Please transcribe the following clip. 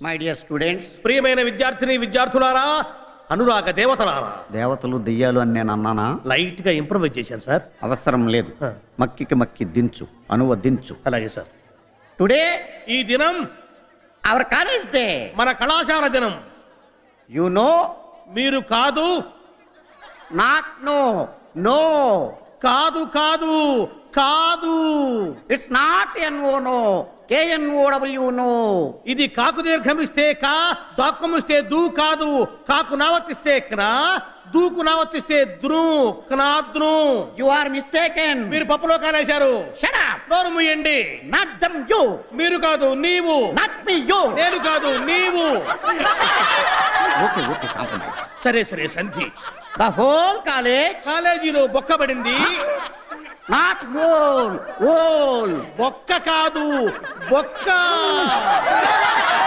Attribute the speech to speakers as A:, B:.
A: My dear students,
B: ప్రియమైన విద్యార్థిని విద్యార్థులారా, అనురాగ దేవతలారా.
A: దేవతలు దెయ్యాలు అని నేను అన్నానా?
B: లైట్ గా ఇంప్రూవైజ్ చేశాను సార్.
A: అవసరం లేదు. మక్కికి మక్కి దించు, అనువదించు.
B: అలాగే సార్.
A: టుడే
B: ఈ దినం
A: అవర్ కాలేజ్ డే,
B: మన కళాశాల దినం.
A: యు నో,
B: మీరు కాదు,
A: నాట్ నో, నో,
B: కాదు కాదు కాదు,
A: it's not N O no, K N O W no.
B: ఇది కాకు దీర్ఘమిస్తే కా, దాక్కుమిస్తే దూ కాదు. కాకు నావర్తిస్తే క్నా, దూకు నావర్తిస్తే ద్రు, క్నాద్రు.
A: You are mistaken.
B: మీరు పప్పులో కాలేశారు.
A: Shut up.
B: నోరు మూయండి.
A: Not dum you.
B: మీరు కాదు నీవు.
A: Not me you.
B: నేను కాదు నీవు.
A: Okay okay, compromise.
B: సరే సరే సంధి.
A: ద హోల్ కాలేజ్,
B: కాలేజీలో బొక్కబడింది.
A: Not whole, whole.
B: బొక్క కాదు బొక్క.